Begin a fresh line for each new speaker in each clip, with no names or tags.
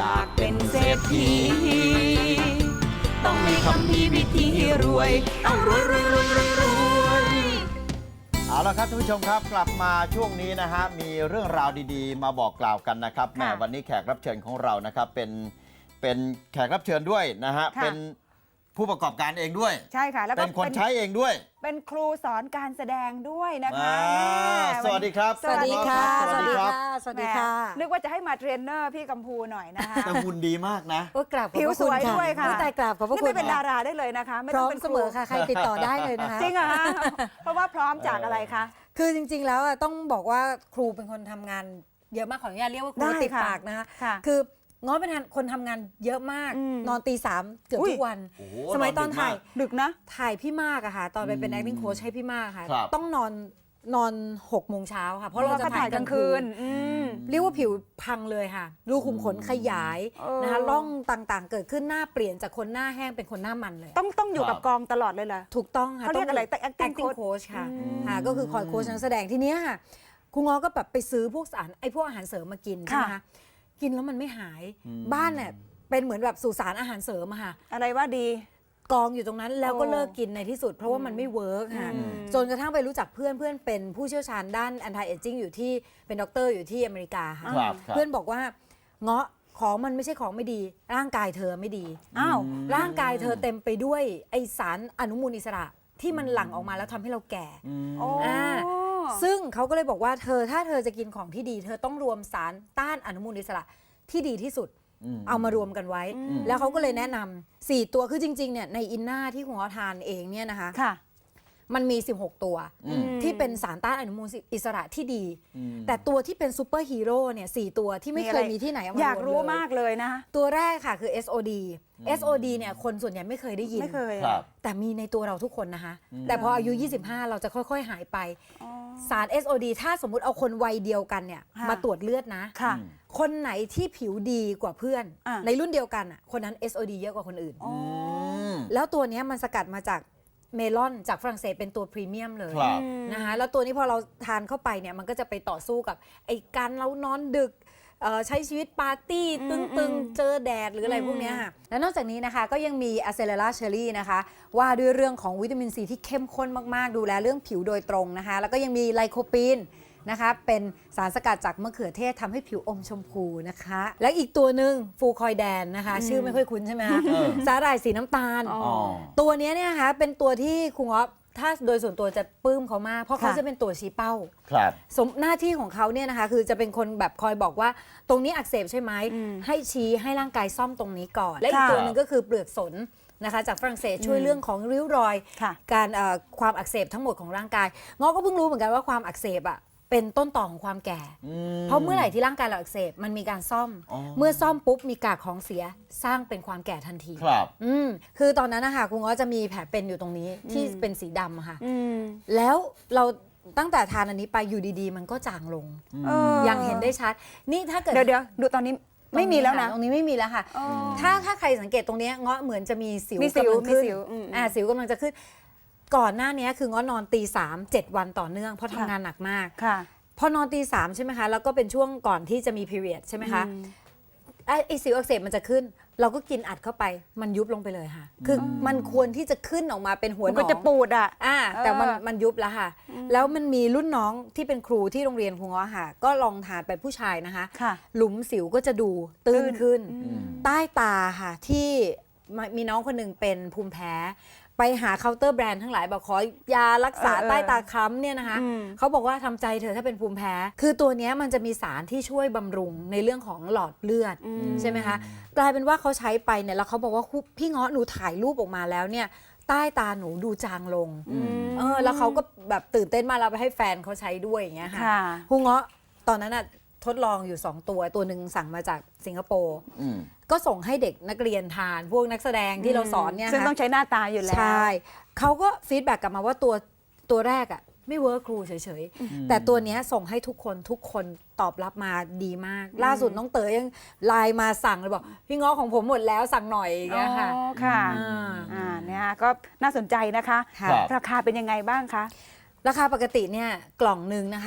ากเป็นเศรษฐีต้องมีคำพีวิธีรวยต้องรวยรวยรวยรวยรวย
เอาละครับท่านผู้ชมครับกลับมาช่วงนี้นะฮะมีเรื่องราวดีๆมาบอกกล่าวกันนะครับแหมวันนี้แขกรับเชิญของเรานะครับเป็นแขกรับเชิญด้วยนะฮะเป็นผู้ประกอบการเองด้วย
ใช่ค่ะแล้วก็
เป็นคนใช้เองด้วย
เป็นครูสอนการแสดงด้วยนะคะ
สวัสดีครับ
สวัสดีค่ะ
สวัสดีครับ
สวัสดีค่ะ
นึกว่าจะให้มาเทรนเนอร์พี่กัมพูหน่อยนะคะ
แต่หุ่นดีมากนะ
โอ้กราบขอบ
ผิว
พระ
ส
คุณ
วย
ค่ะ
ด้วยค่ะ
อุ๊ยตายกราบขอบพระ
นี่
คุณ
ไม่เป็นดาราได้เลยนะคะไม่
พร้
ต้
อ
อง
ม
เป็น
เสมอค่ะใครติดต่อได้เลยนะคะ
จริงเหรอคะเพราะว่าพร้อมจากอะไรคะ
คือจริงๆแล้วต้องบอกว่าครูเป็นคนทำงานเยอะมากขออนุญาตเรียกว่าครู
ได้
ติด
ค่ะ
ปากนะคะ
ค่ะ
คือง้อเป็นคนทำงานเยอะมาก นอนตี 3เกือบ
อุ๊ย
ทุกวัน
โอ้โห
สมัยตอน
นอนดึก
ถ่าย
มาก
ดึกนะ
ถ่ายพี่มากอะค่ะตอนไปเป็น acting coach ให้พี่มากค่ะ
ครับ
ต้องนอน6 โมงเช้าค่ะเพราะเราจะ
ถ่า
ถ่าย ย
ก
ก
ลา
ลาง ง
คื
คื
น
น เรียกว่าผิวพังเลยค่ะรูขุมขนขยายนะคะร่องต่างๆ เกิดขึ้นหน้าเปลี่ยนจากคนหน้าแห้งเป็นคนหน้ามันเลย
ต้องอยู่กับกองตลอดเลยเหรอ
ถูกต้องค่ะ
เขาเรียกอะไร
ต้ง
acting
coach ค่ะก็คือคอยโค้ชนักแสดงทีเนี้ยค่ะครูง้อก็แบบไปซื้อพวกพวกอาหารเสริมมากินใช่ไหมคะกินแล้วมันไม่หายบ้านเนี่ยเป็นเหมือนแบบสุสานอาหารเสริมอะค่ะ
อะไรว่าดี
กองอยู่ตรงนั้นแล้วก็เลิกกินในที่สุดเพราะว่ามันไม่เวิร์กค่ะจนกระทั่งไปรู้จักเพื่อนเป็นผู้เชี่ยวชาญด้าน anti aging อยู่ที่เป็นด็อกเตอร์อยู่ที่อเมริกาค่ะ
ครับ
เพื่อนบอกว่าเงาะของมันไม่ใช่ของไม่ดีร่างกายเธอไม่ดี
อ้าว
ร่างกายเธอเต็มไปด้วยไอสารอนุมูลอิสระที่มันหลั่งออกมาแล้วทำให้เราแก่
โอ้
ซึ่งเขาก็เลยบอกว่าถ้าเธอจะกินของที่ดี เธอต้องรวมสารต้านอนุมูลอิสระที่ดีที่สุด เอามารวมกันไว้ แล้วเขาก็เลยแนะนำ4 ตัวคือจริงๆเนี่ยในอินนาที่คุณหมอทานเองเนี่ยนะคะ
ค่ะ
มันมี 16 ตัวที่เป็นสารต้านอนุมูลอิสระที่ดี แต่ตัวที่เป็นซูเปอร์ฮีโร่เนี่ย4 ตัวที่ไม่เคยมีที่ไหนเอามารวมเลย
อยากรู้มากเลยนะ
ตัวแรกค่ะคือ SOD SOD เนี่ยคนส่วนใหญ่ไม่เคยได้ยิน
ไม่เคย
ครับ
แต่มีในตัวเราทุกคนนะคะ แต่พออายุ 25 เราจะค่อยๆ หายไป สาร SOD ถ้าสมมุติเอาคนวัยเดียวกันเนี่ย
ค่ะ
มาตรวจเลือดนะ
ค่ะ
คนไหนที่ผิวดีกว่าเพื่อน
อ่ะ
ในรุ่นเดียวกันอ่ะคนนั้น SOD เยอะกว่าคนอื่น
อ๋อ
แล้วตัวเนี้ยมันสกัดมาจากเมลอนจากฝรั่งเศสเป็นตัวพรีเมียมเลย
ครับ
นะคะแล้วตัวนี้พอเราทานเข้าไปเนี่ยมันก็จะไปต่อสู้กับไอ้การเรานอนดึกใช้ชีวิตปาร์ตี้ตึงๆ เจอแดดหรืออะไรพวกเนี้ยค่ะแล้วนอกจากนี้นะคะก็ยังมีอะเซเลราเชอรี่นะคะว่าด้วยเรื่องของวิตามินซีที่เข้มข้นมากๆ ดูแลเรื่องผิวโดยตรงนะคะแล้วก็ยังมีไลโคปีนนะคะเป็นสารสกัดจากมะเขือเทศทำให้ผิวอมชมพูนะคะและอีกตัวหนึ่งฟูคอยแดนนะคะชื่อไม่ค่อยคุ้นใช่ไหมคะสาหร่ายสีน้ำตาล
อ๋อ
ตัวเนี้ยเนี่ยนะคะเป็นตัวที่ครูง้อถ้าโดยส่วนตัวจะปลื้มเขามากเพราะเขา
ค่ะ
จะเป็นตัวชี้เป้า
ครับ
หน้าที่ของเขาเนี่ยนะคะคือจะเป็นคนแบบคอยบอกว่าตรงนี้อักเสบใช่ไหมให้ชี้ให้ร่างกายซ่อมตรงนี้ก่อน และอีก
ค่ะ
ตัวหนึ่งก็คือเปลือกสนนะคะจากฝรั่งเศสช่วยเรื่องของริ้วรอย
ค่ะ
การความอักเสบทั้งหมดของร่างกายง้อก็เพิ่งรู้เหมือนกันว่าความอักเสบอ่ะเป็นต้นต่อของความแก่ เพราะเมื่อไหร่ที่ร่างกายเราอักเสบมันมีการซ่อม เมื่อซ่อมปุ๊บมีกากของเสียสร้างเป็นความแก่ทันที
ครับ
คือตอนนั้นนะคะคุณง้อจะมีแผลเป็นอยู่ตรงนี้ที่เป็นสีดำอะค่ะ
อืม
แล้วเราตั้งแต่ทานอันนี้ไปอยู่ดีๆ มันก็จางลง อย่างเห็นได้ชัด นี่ถ้าเกิด
เดี๋ยวดูตอนนี้ไม่มีแล้วนะ
ตรงนี้ไม่มีแล้วค่ะ
อ๋อ
ถ้าใครสังเกตตรงเนี้ยง้อเหมือนจะมีสิว
มีสิว
กำลังขึ้น
มีสิว
สิวกำลังจะขึ้น ก่อนหน้านี้คือง้อนอนตี 3 7 วันต่อเนื่องเพราะทำงานหนักมาก
ค่ะ
พอนอนตี 3ใช่ไหมคะแล้วก็เป็นช่วงก่อนที่จะมี period ใช่ไหมคะไอสิวอักเสบมันจะขึ้น เราก็กินอัดเข้าไปมันยุบลงไปเลยค่ะ คือมันควรที่จะขึ้นออกมาเป็นหัวหน
มัน
อง
ก็จะปูดอ่ะ
แต่มัน
เออ
มันยุบแล้วค่ะ แล้วมันมีรุ่นน้องที่เป็นครูที่โรงเรียนครูง้อค่ะ ก็ลองทานไปผู้ชายนะคะ
ค่ะ
หลุมสิวก็จะดูตื้นขึ้น
อืม
ใต้ตาค่ะที่มีน้องคนหนึ่งเป็นภูมิแพ้ ไปหาเคาน์เตอร์แบรนด์ทั้งหลายบอกขอยารักษาใต้ตาค้ำเนี่ยนะคะเขาบอกว่าทำใจเธอะถ้าเป็นภูมิแพ้ คือตัวเนี้ยมันจะมีสารที่ช่วยบำรุงในเรื่องของหลอดเลือดใช่ไหมคะกลายเป็นว่าเขาใช้ไปเนี่ยแล้วเขาบอกว่าพี่เงาะหนูถ่ายรูปออกมาแล้วเนี่ยใต้ตาหนูดูจางลงแล้วเขาก็แบบตื่นเต้นมากเราไปให้แฟนเขาใช้ด้วยอย่างเงี้ยค่ะ
ค่ะ
ครูเงาะตอนนั้นน่ะทดลองอยู่ 2 ตัวหนึ่งสั่งมาจากสิงคโปร์ก็ส่งให้เด็กนักเรียนทานพวกนักแสดงที่เราสอนเนี่ย
ซึ่งต้องใช้หน้าตาอยู่แล้ว
ใช่เขาก็ฟีดแบ็กกลับมาว่าตัวแรกอ่ะไม่เวิร์คครูเฉยๆ แต่ตัวเนี้ยส่งให้ทุกคนตอบรับมาดีมาก ล่าสุดน้องเต๋อยังไลน์มาสั่งเลยบอกพี่ง้อของผมหมดแล้วสั่งหน่อยอย่างเงี้ยค่ะ
อ๋อค่ะ เนี่ยก็น่าสนใจนะคะ
ค่ะ
ราคาเป็นยังไงบ้างคะ
ราคาปกติเนี่ยกล่องหนึ่งนะคะ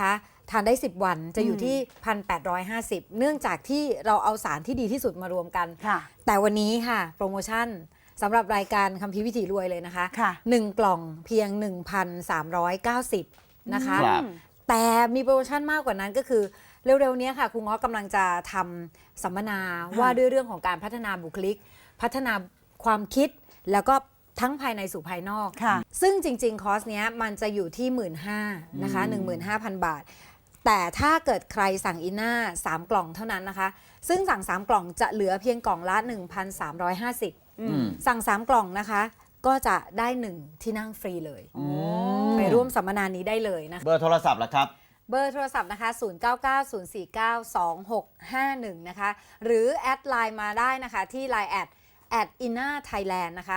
ทานได้ 10 วันจะอยู่ที่ 1,850 เนื่องจากที่เราเอาสารที่ดีที่สุดมารวมกัน
ค่ะ
แต่วันนี้ค่ะโปรโมชั่นสำหรับรายการคัมภีร์วิถีรวยเลยนะคะ
ค่ะ
1 กล่องเพียง 1,390 นะคะ
ครับ
แต่มีโปรโมชั่นมากกว่านั้นก็คือเร็วๆนี้ค่ะครูง้อกำลังจะทำสัมมนาว่าด้วยเรื่องของการพัฒนาบุคลิก พัฒนาความคิดแล้วก็ทั้งภายในสู่ภายนอก
ค่ะ
ซึ่งจริงๆ คอร์สเนี้ยมันจะอยู่ที่ 15,000นะคะ 15,000 บาท แต่ถ้าเกิดใครสั่งอินน่า3 กล่องเท่านั้นนะคะ ซึ่งสั่ง 3 กล่องจะเหลือเพียงกล่องละ 1,350 สั่ง 3 กล่องนะคะ ก็จะได้ 1 ที่นั่งฟรีเลย ไปร่วมสัมมนานี้ได้เลยนะคะ
เบอร์โทรศัพท์ล่ะครับ
เบอร์โทรศัพท์นะคะ 0990492651 นะคะ หรือแอดไลน์มาได้นะคะที่ Line @inna Thailand นะคะ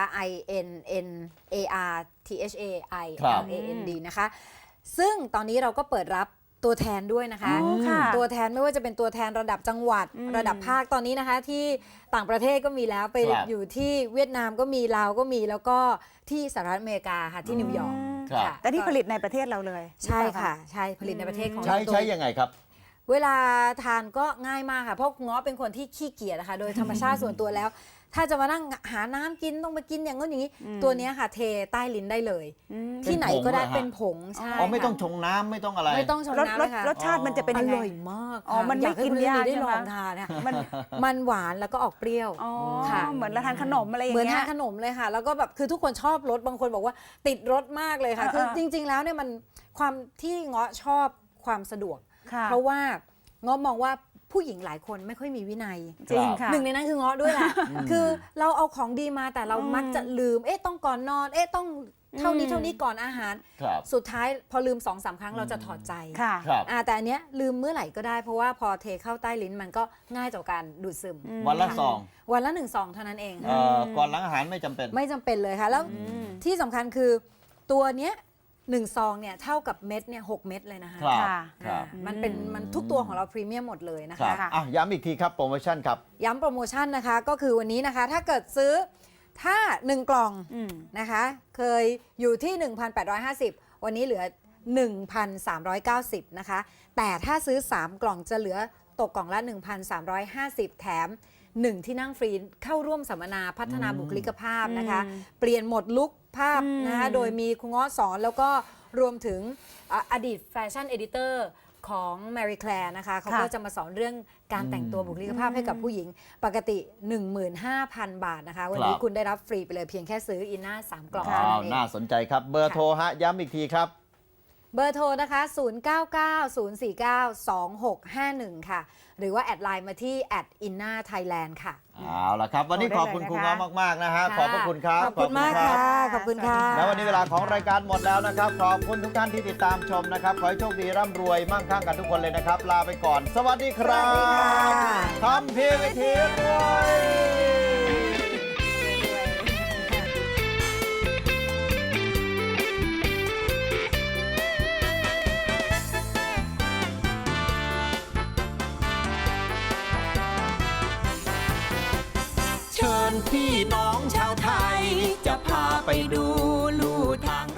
INNARTHAILAND นะคะ ซึ่งตอนนี้เราก็เปิดรับตัวแทนด้วยนะคะ
อ๋อค่ะ
ตัวแทนไม่ว่าจะเป็นตัวแทนระดับจังหวัด ระดับภาคตอนนี้นะคะ ที่ต่างประเทศก็มีแล้วไป
ครับ
อยู่ที่เวียดนามก็มีลาวก็มีแล้วก็ที่สหรัฐอเมริกาค่ะที่นิวยอร์ก
ครับ
ค่ะ
แต่ที่ผลิตในประเทศเราเลย
ใช่ค่ะ ใช่ผลิตในประเทศของ
ใช้
เรา
ใช้ยังไงครับ
เวลาทานก็ง่ายมากค่ะ เพราะง้อเป็นคนที่ขี้เกียจนะคะ โดยธรรมชาติส่วนตัวแล้ว ถ้าจะมานั่งหาน้ำกินต้องไปกินอย่างนู้นอย่างนี้ ตัวเนี้ยค่ะ เทใต้ลิ้นได้เลย ที่ไหนก็ได้
เป็
เป็น น
ผ
ผ
ง
งใช่
อ๋อไม่ต้อง
ค่ะ
ชงน้ำไม่ต้องอะไร
ไม่ต้องชง
รส
น้ำเลยค่ะ
รสชาติมันจะเป็น
อ
ยังไง
ร่อยมาก
อ๋อมันไม่
ยากให้
กิน
คุณ
ยาก
ได้
ใช่
ล
ไหม
องทานเนี่ย
มัน
มันหวานแล้วก็ออกเปรี้ยว
อ๋อ
ค่ะ
เหมือนเราทานขนมอะไรอย่าง
เหมือน
เงี้
ทาย นขนมเลยค่ะ แล้วก็แบบคือทุกคนชอบรสบางคนบอกว่าติดรสมากเลยค่ะ คือจริง ๆ แล้วเนี่ยมันความที่เงาะชอบความสะดวก
ค่ะ
เพราะว่าเงาะมองว่าผู้หญิงหลายคนไม่ค่อยมีวินัย
จริงค่ะ
หนึ่งในนั้นคือเงาะด้วยแหละ คือเราเอาของดีมาแต่เรามักจะลืม ต้องก่อนนอน ต้องเท่านี้เท่านี้ก่อนอาหาร
ครับ
สุดท้ายพอลืม 2-3 ครั้งเราจะถอดใจ
ค่ะ
ครับ
แต่อันเนี้ยลืมเมื่อไหร่ก็ได้เพราะว่าพอเทเข้าใต้ลิ้นมันก็ง่ายต่อการดูดซึม
วันละซอง
วันละ1 ซองเท่านั้นเอง
ก่อนหลังอาหารไม่จำเป็น
ไม่จำเป็นเลยค่ะ แล้วที่สำคัญคือตัวเนี้ย1 ซองเนี่ยเท่ากับเม็ดเนี่ย6 เม็ดเลยนะคะ
ครับ
ค่ะ
ครับ
มันทุกตัวของเราพรีเมียมหมดเลยนะ
ครั
คะ
บอ่ะย้ำอีกทีครับโปรโมชั่นครับ
ย้ำโปรโมชั่นนะคะก็คือวันนี้นะคะถ้าเกิดซื้อถ้า 1 กล่อง
อืม
นะคะเคยอยู่ที่ 1,850 วันนี้เหลือ 1,390 นะคะแต่ถ้าซื้อ 3 กล่องจะเหลือตกกล่องละ 1,350 แถม 1 ที่นั่งฟรีเข้าร่วมสัมมนาพัฒนาบุคลิกภาพนะคะ เปลี่ยนหมดลุคภาพนะคะโดยมีครูง้อสอนแล้วก็รวมถึงอดีตแฟชั่นเอดิเตอร์ของ Mary Claire นะคะเขาก็จะมาสอนเรื่องการแต่งตัวบุคลิกภาพให้กับผู้หญิงปกติ 15,000 บาทนะคะ วันนี้
ครับ
คุณได้รับฟรีไปเลยเพียงแค่ซื้ออินน่า3 กล่อง
อ้า
เท่านั้
วน
เอง
น่าสนใจครับ เบอร์โทรฮะ ย้ำอีกทีครับ
เบอร์โทรนะคะ 0990492651 ค่ะ หรือว่าแอดไลน์มาที่ @innathailand ค่ะ
เอาละครับ วันนี้ขอบคุณครูง้อมากๆนะฮะ ขอบพระคุณครับ
ขอบคุณมาก
รั
ค่ะ
บ
ขอบคุณค่ะ
แล้ววันนี้เวลาของรายการหมดแล้วนะครับ ขอบคุณทุกท่านที่ติดตามชมนะครับ ขอให้โชคดีร่ำรวยมั่งคั่งกันทุกคนเลยนะครับ ลาไปก่อน สวัสดีครับ
สวัสดีค่ะ
ทำพีวิธีรวย
เชิญพี่น้องชาวไทย จะพาไปดูลู่ทาง